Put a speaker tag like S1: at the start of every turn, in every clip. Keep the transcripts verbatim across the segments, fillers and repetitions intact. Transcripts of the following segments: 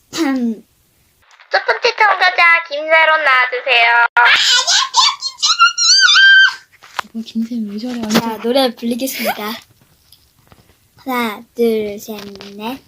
S1: 첫 번째 참가자 김세론 나와주세요.
S2: 뭐 김쌤 왜 저래?
S3: 자, 노래 부르겠습니다. 하나, 둘, 셋, 넷.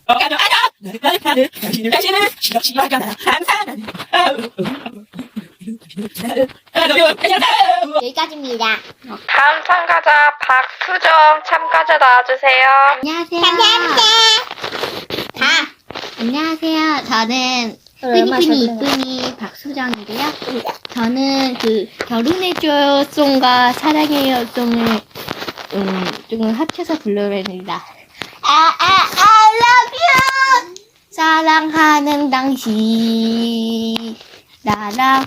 S3: 여기까지입니다.
S1: 다음 참가자 박수정 참가자 나와주세요.
S2: 안녕하세요.
S3: 감사합니다. 다.
S2: 안녕하세요. 저는
S3: 얼마
S2: 뿌니뿌니
S3: 잘
S2: 이쁜이 박수정이고요. 저는 그 결혼해줘요 송과 사랑해요 송을 음, 조금 합쳐서 불러봅니다. 아, 아, I love you! 사랑하는 당신 나랑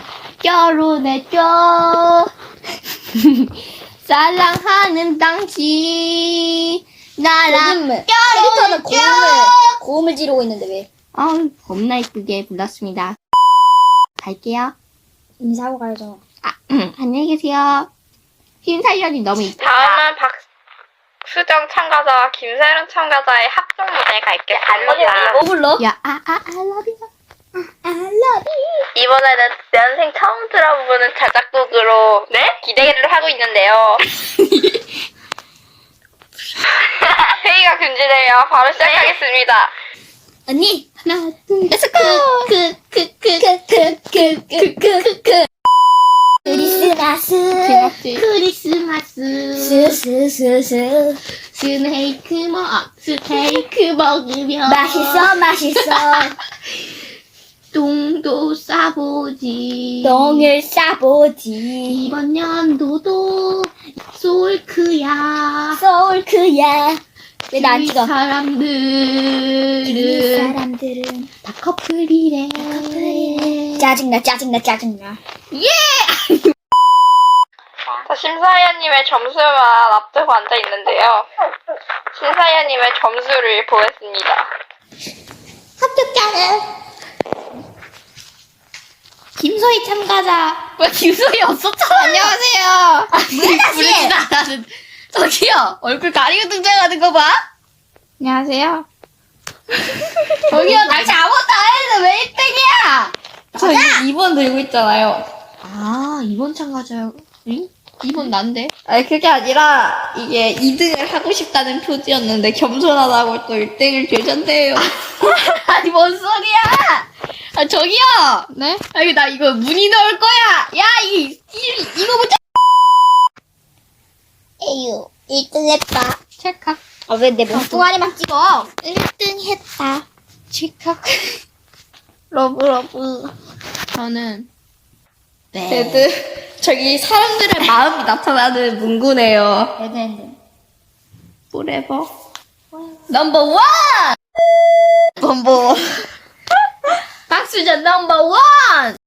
S2: 결혼해줘. 사랑하는 당신 나랑
S3: 요즘 캐릭터는 고음을, 고음을 지르고 있는데 왜?
S2: 어, 겁나 이쁘게 불렀습니다. 갈게요.
S3: 인사하고 가야죠.
S2: 아, 안녕히 계세요. 심사위원이 너무 이쁘다.
S1: 다음은 박수정 참가자와 김세론 참가자의 합동 무대 갈겠습니다.
S3: 뭐 불러?
S2: 야, 아, 아, I love you.
S3: I love you.
S1: 이번에는 연생 처음 들어보는 자작곡으로 네? 기대를 하고 있는데요. 회의가 금지돼요. 바로 시작하겠습니다.
S3: 언니,
S2: 하나, 둘,
S3: 렛츠 고!
S2: 그, 그, 그,
S3: 크크크크크크크 크리스마스
S2: 제목지. 크리스마스.
S3: 스스스스
S2: 스테이크 먹, 아, 스테이크 먹으면.
S3: 맛있어 맛있어
S2: 똥도 싸보지.
S3: 똥을 싸보지
S2: 이번 연도도 솔크야.
S3: 소울크야 왜 나 안
S2: 이
S3: 찍어? 이
S2: 사람들은
S3: 사람들은
S2: 다 커플이래.
S3: 커플이래. 짜증나 짜증나 짜증나
S1: 자, 심사위원님의 점수만 앞두고 앉아 있는데요. 심사위원님의 점수를 보겠습니다.
S3: 합격자는
S2: 김소희 참가자. 왜 김소희 없었잖아. 안녕하세요.
S3: 왜 다시?
S2: 부르지도 않았는. 저기요. 얼굴 가리고 등장하는 거 봐. 안녕하세요. 저기요. 당신 아무것도 안 했는데 왜 일 등이야? 저 이 번 들고 있잖아요. 아, 이 번 참가자요. 응? 이 번 난데? 아니, 그게 아니라, 이게 이 등을 하고 싶다는 표지였는데, 겸손하다고 또 일 등을 되셨네요. 아니, 뭔 소리야! 아, 저기요! 네? 아니, 나 이거 문의 넣을 거야! 야, 이, 이, 이거 보자!
S3: 에휴 일 등 했다
S2: 찰칵.
S3: 아 왜 내 몸뚱아리만 찍어?
S2: 일 등 했다. 찰칵. 러브, 러브. 저는,
S3: 네.
S2: 레드. 저기 사람들의 마음이 나타나는 문구네요.
S3: 레드핸드
S2: forever. 넘버 원! 넘버 원. 박수전 넘버 원!